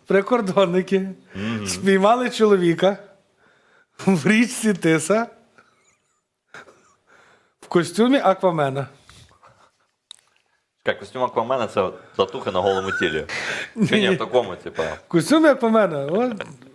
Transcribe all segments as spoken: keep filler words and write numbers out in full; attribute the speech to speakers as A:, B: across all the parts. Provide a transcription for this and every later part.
A: прикордонники mm-hmm. спіймали чоловіка в річці Тиса в костюмі Аквамена.
B: Як костюм Аквамена – це татуха на голому тілі. Чи ні, в такому, типу.
A: В костюмі Аквамена. От.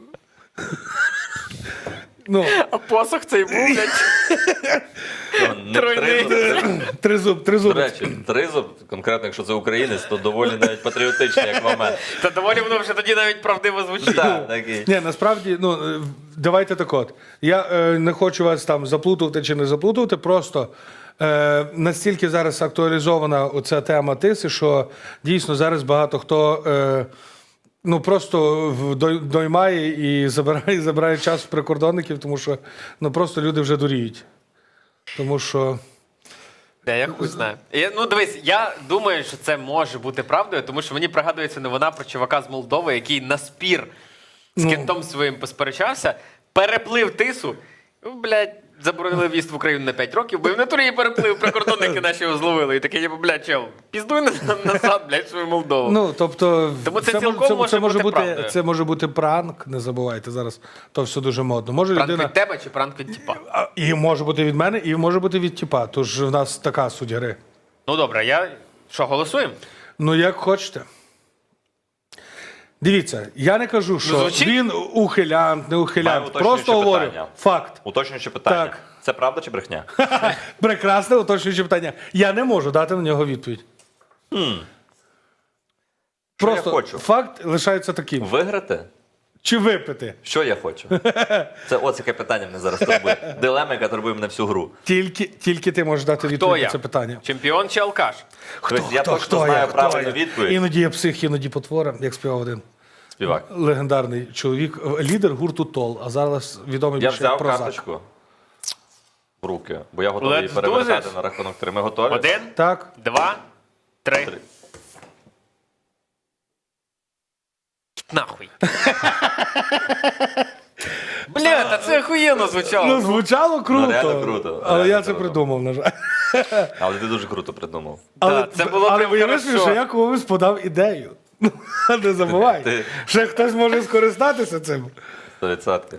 A: Ну.
C: А посох цей був, блядь. Тройний.
A: Тризуб, тризуб.
B: До речі, тризуб, конкретно, якщо це українець, то доволі навіть патріотичний, як Аквамен.
C: Та доволі воно вже тоді навіть правдиво звучить.
B: Так, такий.
A: Ні, насправді, ну, давайте так от. Я е, не хочу вас там заплутувати чи не заплутувати, просто е, настільки зараз актуалізована оця тема Тиси, що дійсно зараз багато хто е, ну, просто доймає і забирає, забирає час в прикордонників, тому що ну, просто люди вже дуріють. Тому що...
C: Да, я хуй знаю. Я, ну, дивись, я думаю, що це може бути правдою, тому що мені пригадується новина про чувака з Молдови, який на спір з
A: Ну.
C: кентом своїм посперечався, переплив Тису, ну, блядь, заборонили в'їзд в Україну на п'ять років, бо і в натурі її переплив, прикордонники наші його зловили. І такий, блядь, чел, піздуй назад, блядь, свою Молдову.
A: Ну, тобто,
C: Тому це
A: це,
C: цілком
A: це,
C: може
A: це, може
C: бути
A: бути,
C: правдою.
A: це може бути пранк, не забувайте, зараз то все дуже модно. Може
C: Пранк
A: людина...
C: від тебе чи пранк від тіпа?
A: А, І може бути від мене, і може бути від тіпа. Тож в нас така суть гри.
C: Ну, добре, я... Що, голосуємо?
A: Ну, як хочете. Дивіться, я не кажу, що
C: звучить-
A: він ухилянт, не
B: Маю
A: ухилянт.
B: уточнююче
A: Просто говорю
B: питання.
A: факт.
B: Уточнююче питання.
A: Так.
B: Це правда чи брехня?
A: Прекрасне уточнююче питання. Я не можу дати на нього відповідь.
B: Що
A: Просто
B: я хочу?
A: факт лишається таким.
B: Виграти?
A: Чи випити?
B: Що я хочу? Це ось яке питання мене зараз турбує. Дилема, яка турбує мене всю гру.
A: Тільки, тільки ти можеш дати
C: Хто
A: відповідь
C: я?
A: на це питання.
C: Чемпіон чи алкаш?
B: Тобто я точно знаю правильну відповідь.
A: Іноді я псих, іноді потвора, як співав один
B: Співак.
A: легендарний чоловік, лідер гурту Тол, а зараз відомий
B: Я
A: більше
B: взяв
A: як Прозак.
B: карточку в руки, бо я готовий
C: Let's
B: її
C: do
B: перевертати
C: this.
B: на рахунок три. Ми готові?
C: Один,
A: Так.
C: два, три.
B: Три.
C: Нахуй. Бля, та це охуєнно звучало.
A: Ну, звучало круто.
B: Ну, реально круто,
A: Але
B: реально
A: я це
B: круто.
A: придумав, на жаль.
B: Але ти дуже круто придумав.
A: Але,
C: це було
A: але
C: прям
A: уяви собі,
C: хорошо.
A: що я комусь подав ідею. Не забувай.
B: Ти-
A: Ще хтось може скористатися цим.
B: Сто відсотків.